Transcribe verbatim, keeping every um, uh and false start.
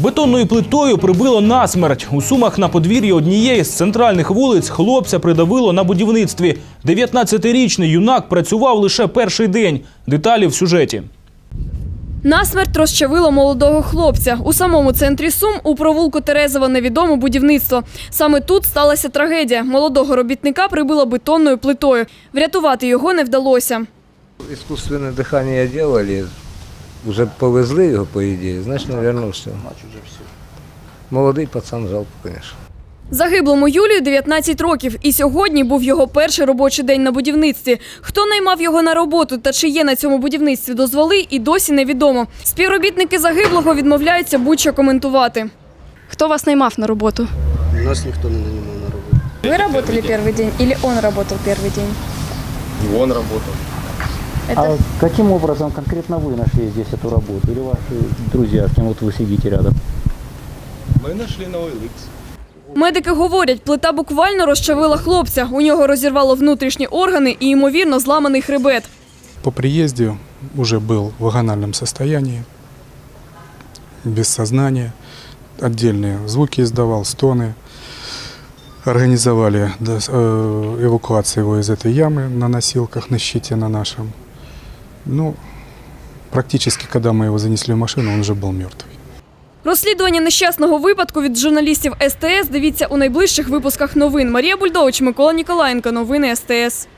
Бетонною плитою прибило насмерть. У Сумах на подвір'ї однієї з центральних вулиць хлопця придавило на будівництві. дев'ятнадцятирічний юнак працював лише перший день. Деталі в сюжеті. Насмерть розчавило молодого хлопця. У самому центрі Сум, у провулку Терезова, невідоме будівництво. Саме тут сталася трагедія. Молодого робітника прибило бетонною плитою. Врятувати його не вдалося. Искусственное дыхание делали, уже повезли его, по идее, значит, наверное, все. Молодий пацан, жалко, конечно. Загиблому Юлію дев'ятнадцять років. І сьогодні був його перший робочий день на будівництві. Хто наймав його на роботу та чи є на цьому будівництві дозволи, і досі невідомо. Співробітники загиблого відмовляються будь-що коментувати. Хто вас наймав на роботу? Нас ніхто не наймав на роботу. Ви працювали перший день, або він працював перший день? І він працював. А каким образом конкретно вы нашли здесь эту работу? Или ваши друзья, с кем вот вы сидите рядом? Ми знайшли на о ел ікс. Медики говорять, плита буквально розчавила хлопця. У нього розірвало внутрішні органи і, ймовірно, зламаний хребет. По приезде уже был в агональном состоянии, без сознания, отдельные звуки издавал, стоны. Организовали эвакуацию его из этой ямы на носилках, на щите на нашем. Ну, практически, когда мы его занесли в машину, он уже был мертвый. Розслідування нещасного випадку від журналістів ес те ес дивіться у найближчих випусках новин. Марія Бульдович, Микола Ніколаєнко. Новини ес те ес.